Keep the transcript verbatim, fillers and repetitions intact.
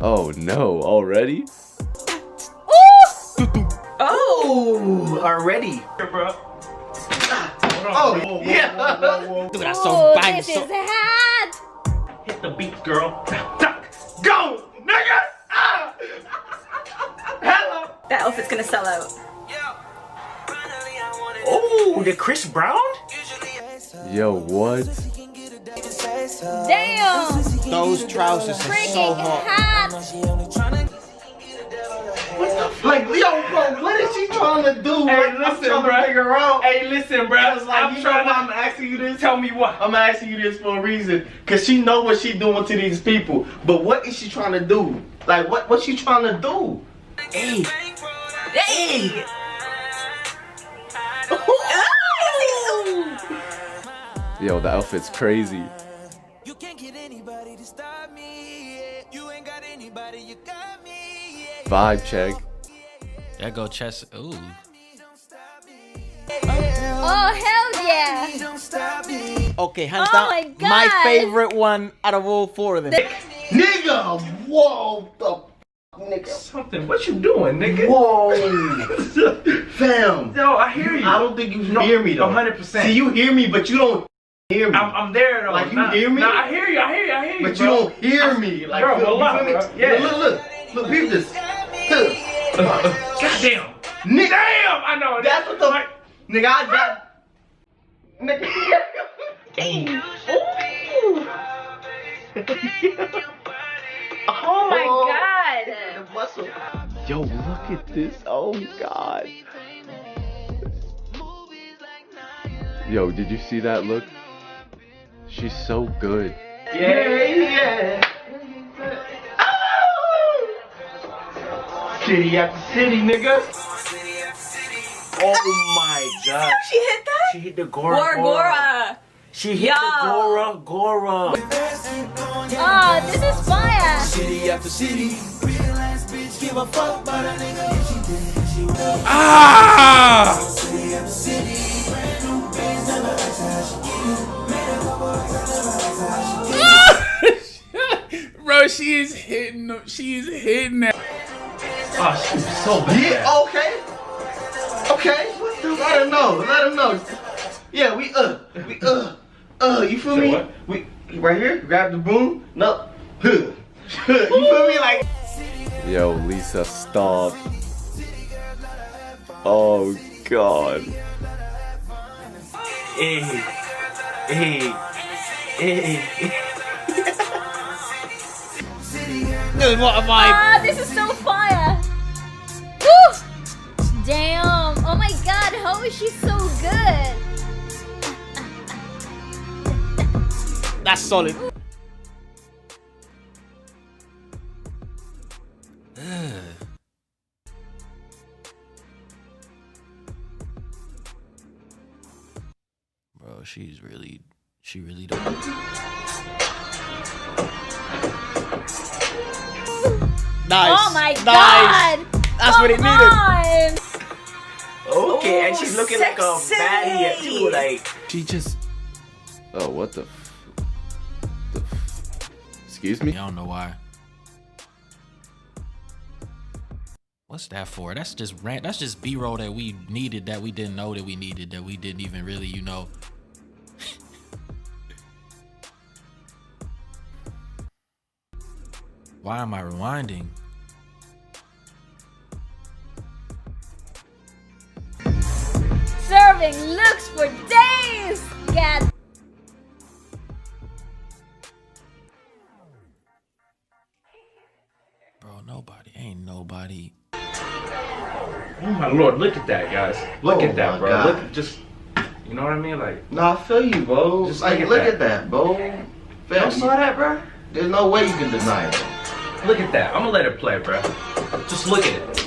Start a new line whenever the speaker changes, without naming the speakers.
Oh no, already?
Oh, already.
Here, bro.
Oh, yeah.
Dude, that's so bang.
This
So
is hot.
Hit the beat, girl. Go, nigga. Ah. Hello.
That outfit's gonna sell out.
Oh, the Chris Brown?
Yo, what?
Damn.
those trousers are so
Freaking
hot.
hot.
Like, yo, bro, what is she trying to do?
Hey,
Like,
listen,
I'm trying
bro.
to figure out.
Hey, listen, bro.
It's like,
I'm
you know
trying
why
to
I'm asking you this?
tell me what.
I'm asking you this for a reason, cause she know what she doing to these people. But what is she trying to do? Like, what what she trying to do?
Hey,
Hey!
Yo, the outfit's crazy.
You can't get anybody to stop me. You ain't got anybody, you got me.
Vibe check.
There go chest. Ooh.
Oh, hell yeah.
Don't stop me.
Okay, hands
Oh
down.
my God.
My favorite one out of all four of them.
Nigga, whoa, the f- nigga.
something. What you doing, nigga?
Whoa. Fam.
Yo, I hear you.
I don't think you
No,
hear me though.
one hundred percent.
See, you hear me, but you don't hear me.
I'm, I'm there though.
Like, you
nah,
hear me?
Nah, I hear you. I hear you. I hear you.
but
bro.
you don't hear me. Like,
Bro,
you,
well,
you
look,
feel me?
bro. Yeah.
Look, look, look. Look, peep this. Look.
Goddamn.
Nigga.
Damn. I know.
That's what the like, nigga, I got. Nigga.
Oh my god.
The muscle.
Yo, look at this. Oh god. Yo, did you see that look? She's so good.
Yeah, yeah.
City after city, nigga.
Oh my god. She hit that?
She hit the Gora
Gora Gora. She hit
Yo.
the Gora Gora.
Oh, this is fire.
City after city. Real ass bitch, give a fuck about a nigga. If she did, she would.
Ah!
City after city. Brand new bands, never asked her how she get. Made a couple racks, never asked her how she get.
Bro, she is hitting them. She is hitting that.
Oh, she was so bad.
Yeah, okay. Okay. Let him know. Let him know. Yeah, we uh, we uh, uh. You feel
Say
me?
what?
We right here. Grab the broom. No. Huh. Huh. You feel me? Like.
Yo, Lisa, stop. Oh god.
Hey. Hey. Hey.
Dude, what am I?
Ah, this is so fire. Woo! Damn. Oh my god, how is she so good?
That's solid. Bro, she's really, she really don't. Nice.
Oh my
nice.
god.
That's what it
Come
needed.
on.
Okay, and she's looking like a baddie too. Like.
She just. Oh, what the. F- the f- Excuse me?
I don't know why. What's that for? That's just rant. That's just B-roll that we needed that we didn't know that we needed that we didn't even really, you know. Why am I rewinding?
Serving looks for days. God.
Bro, nobody. Ain't nobody.
Oh my lord, look at that, guys. Look
Oh
at that,
my
bro.
God.
Look at just. You know what I mean? Like.
No, I feel you, bro.
Just
like,
look at
look
that.
at that, bro.
Y'all
Fam,
saw that, bro?
there's no way you can deny it.
Look at that. I'm gonna let it play, bro. Just look at it.